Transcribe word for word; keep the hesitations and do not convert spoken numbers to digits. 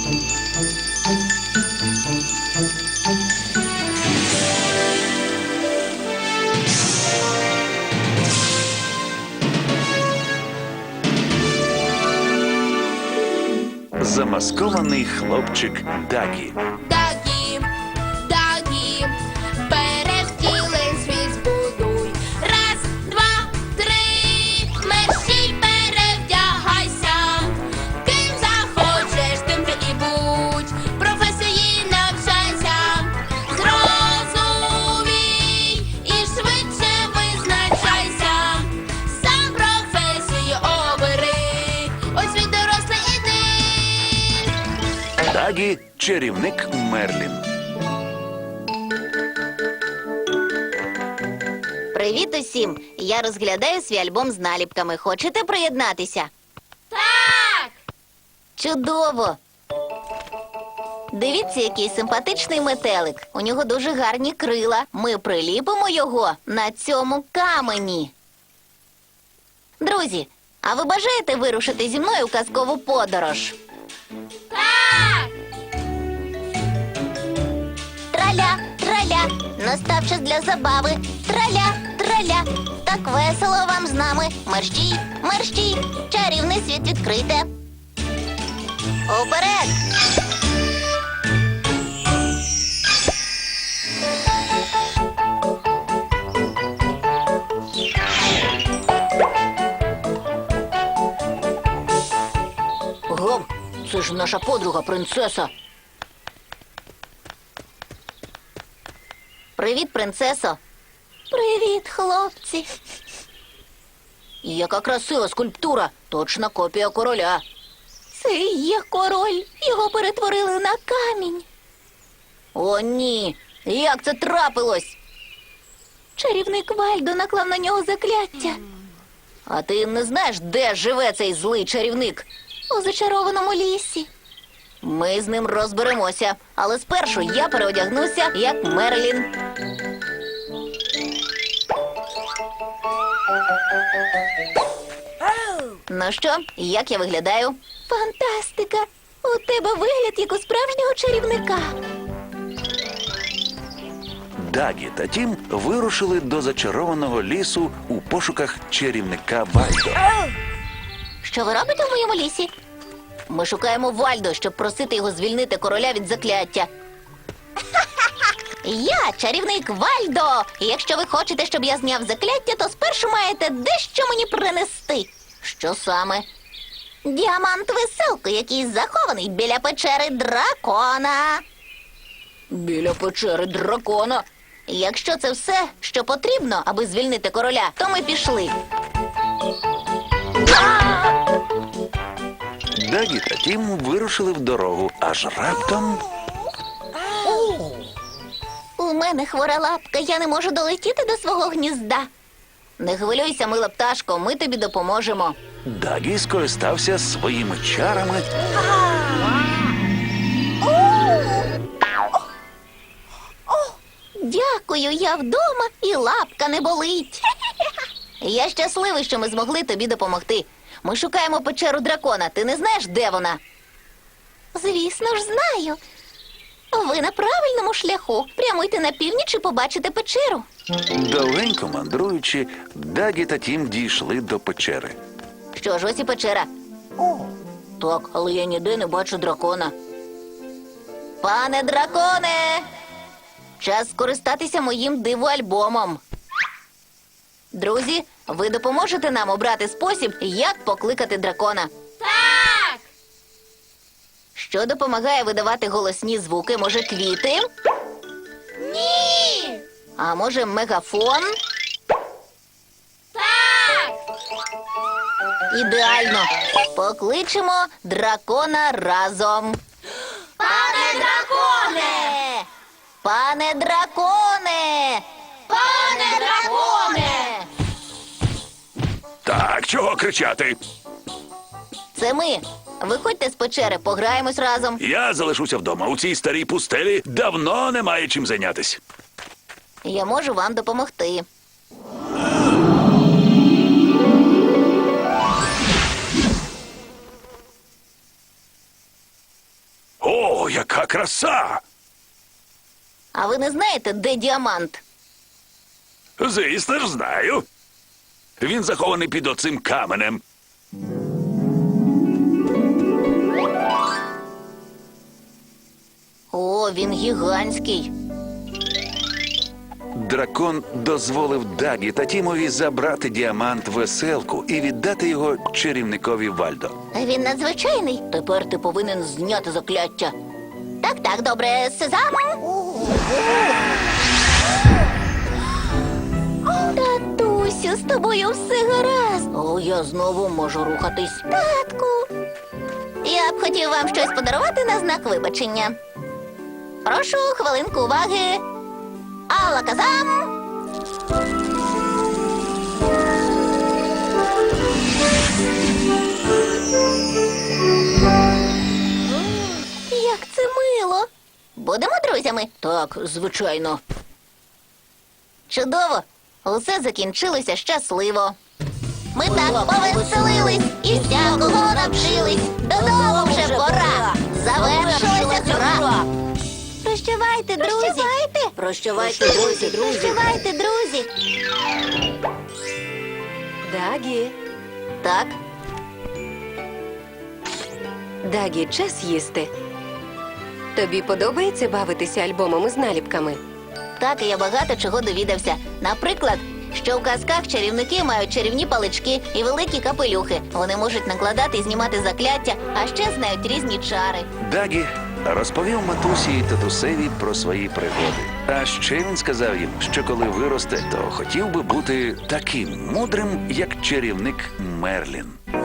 Замаскований хлопчик Дагі. Дагі, Дагі, перевтілень світ збудуй. Раз, два, три, мерщій перевдягайся. Ким захочеш, тим ти і будь. Професії навчайся. Зрозумій і швидше визначайся. Сам професію обери. Ось він дорослий іди. Дагі – чарівник Мерлін. Привіт усім! Я розглядаю свій альбом з наліпками. Хочете приєднатися? Так! Чудово! Дивіться, який симпатичний метелик. У нього дуже гарні крила. Ми приліпимо його на цьому камені. Друзі, а ви бажаєте вирушити зі мною у казкову подорож? Так! Траля, траля, настав час для забави. Траля, траля, так весело вам з нами. Мерщій, мерщій, чарівний світ відкрите. Уперед! Гов, це ж наша подруга принцеса. Привіт, принцесо. Привіт, хлопці. Яка красива скульптура. Точна копія короля. Це і є король. Його перетворили на камінь. О, ні. Як це трапилось? Чарівник Вальдо наклав на нього закляття. А ти не знаєш, де живе цей злий чарівник? У зачарованому лісі. Ми з ним розберемося. Але спершу я переодягнуся, як Мерлін. Ну що, як я виглядаю? Фантастика! У тебе вигляд, як у справжнього чарівника. Дагі та Тім вирушили до зачарованого лісу у пошуках чарівника Вальдо. Що ви робите в моєму лісі? Ми шукаємо Вальдо, щоб просити його звільнити короля від закляття. Я чарівник Вальдо. І якщо ви хочете, щоб я зняв закляття, то спершу маєте дещо мені принести. Що саме? Діамант-веселку, який захований біля печери дракона. Біля печери дракона? Якщо це все, що потрібно, аби звільнити короля, то ми пішли. Дагі та Тім вирушили в дорогу, аж раптом... У мене хвора лапка, я не можу долетіти до свого гнізда. Не хвилюйся, мила пташко, ми тобі допоможемо. Дагі скористався своїми чарами Дякую, я вдома і лапка не болить. Я щасливий, що ми змогли тобі допомогти. Ми шукаємо печеру дракона. Ти не знаєш, де вона? Звісно ж, знаю. Ви на правильному шляху. Прямуйте на північ і побачите печеру. Довгенько мандруючи, Дагі та Тім дійшли до печери. Що ж, ось і печера. Так, але я ніде не бачу дракона. Пане драконе! Час скористатися моїм диво-альбомом. Друзі, ви допоможете нам обрати спосіб, як покликати дракона. Так! Що допомагає видавати голосні звуки? Може, квіти? Ні! А може, мегафон? Так! Ідеально! Покличемо дракона разом. Пане драконе! Пане драконе! Пане драконе! Так, чого кричати? Це ми. Виходьте з печери, пограємось разом. Я залишуся вдома. У цій старій пустелі давно немає чим зайнятись. Я можу вам допомогти. О, яка краса! А ви не знаєте, де діамант? Звісно ж, знаю. Він захований під оцим каменем. О, він гігантський. Дракон дозволив Дагі та Тімові забрати діамант веселку і віддати його чарівникові Вальдо. Він надзвичайний. Тепер ти повинен зняти закляття. Так, так, добре, сезам. Татусю, з тобою все гаразд. О, я знову можу рухатись. Татку. Я б хотів вам щось подарувати на знак вибачення. Прошу хвилинку уваги. Алаказам! Як це мило. Будемо друзями? Так, звичайно. Чудово. Усе закінчилося щасливо. Ми так повеселились і всякого навчились. Додому вже пора. Завершилася гра. Прощавайте, друзі. Прощавайте. Прощавайте, друзі, друзі. Прощавайте, друзі. Дагі, Так, Дагі, час їсти. Тобі подобається бавитися альбомами з наліпками? так, і я багато чого довідався. Наприклад, що в казках чарівники мають чарівні палички і великі капелюхи. Вони можуть накладати і знімати закляття, а ще знають різні чари. Дагі розповів матусі і татусеві про свої пригоди. А ще він сказав їм, що коли виросте, то хотів би бути таким мудрим, як чарівник Мерлін.